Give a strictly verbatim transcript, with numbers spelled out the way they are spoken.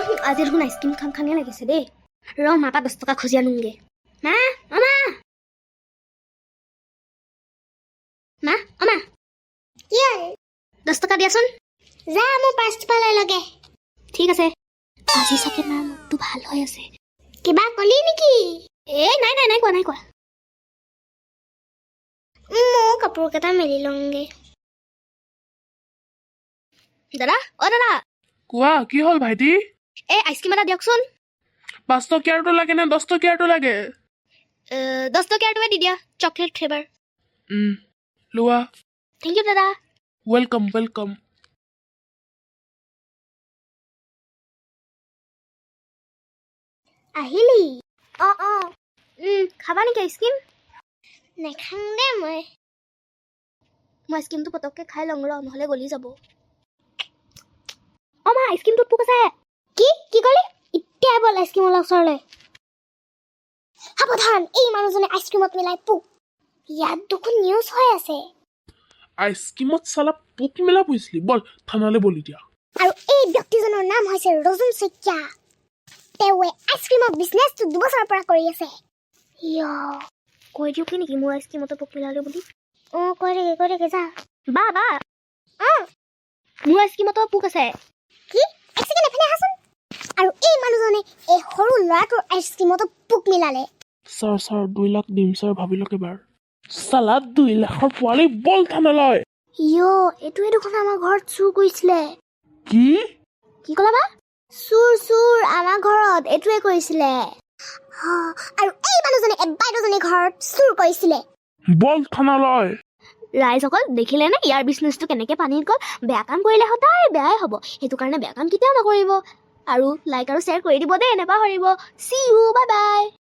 আজি দেখোন আইচক্ৰীম খাম খামে লাগিছে দেই ৰ মাপা দহ টকা খুজি আনোগে মা অমা মা অমা কি হ'ল দহ টকা দিয়াচোন যা মোৰ পাঁচ পালে লগে ঠিক আছে আজি চাগে মাৰ মুডটো ভাল হৈ আছে কিবা কলি নেকি এ নাই নাই নাই কোৱা নাই কোৱা মই কাপোৰ কেইটা মেলি লওঁগে দাদা অ দাদা কোৱা কি হ'ল ভাইটি এই আইচক্ৰীম এটা দিয়কচোন পাঁচ টকীয়াৰটো লাগে নে দহ টকীয়াৰটো লাগে দহ টকীয়াটোৱে দি দিয়া চকলেট ফ্লেভাৰ উম লোৱা থেংক ইউ দাদা ৱেলকাম ৱেলকাম আহিলি অ অ খাবা নেকি আইচক্ৰীম নেখাং দে মই মই আইচক্ৰীমটো পটককৈ খাই লওঁ ৰ নহ'লে গলি যাব অ মা আইচক্ৰীমটোত পোক আছে কি কি ক'লি এতিয়া বল আইচক্ৰীমৰ ওচৰলৈ সাৱধান এই মানুহজনে আইচক্ৰীমত মিলাই পোক ইয়াত দেখোন নিউজ হৈ আছে আইচক্ৰীমত চালা পোক মেলা পৰিছিলি বল থানালৈ বলি দিয়া আৰু এই ব্যক্তিজনৰ নাম হৈছে ৰজন শইকীয়া তেওঁৱে আইচক্ৰীমৰ বিজনেছটো দুবছৰৰ পৰা কৰি আছে ইয় কৈ দিওঁ কি নেকি মোৰ আইচক্ৰীমতো পোক মিলালে বুলি অ কৈ দে কৈ দে যা বা বা অ মোৰ আইচক্ৰীমতো পোক আছে কি এক ছেকেণ্ড এফালে আহাচোন আৰু এই মানুহজনে এই সৰু ল'ৰাটোৰ আইচক্ৰীমতো পোক মিলালে ছাৰ ছাৰ দুই লাখ দিম ছাৰ ভাবি লওক এবাৰ চালা দুই লাখৰ পোৱালি বল থানালৈ ইয় এইটোৱে দেখোন আমাৰ ঘৰত চুৰ কৰিছিলে কি কি ক'লা বা চুৰ চুৰ আমাৰ ঘৰত এইটোৱে কৰিছিলে আৰু এই মানুহজনে বাইদেউজনী ঘৰত চুৰ কৰিছিলে বল থানালৈ ৰাইজসকল দেখিলে নে ইয়াৰ বিজনেছটো কেনেকৈ পানীত গ'ল বেয়া কাম কৰিলে সদায় বেয়াই হ'ব সেইটো কাৰণে বেয়া কাম কেতিয়াও নকৰিব আৰু লাইক আৰু শ্বেয়াৰ কৰি দিব দেই নেপাহৰিব চি ইউ বাই বাই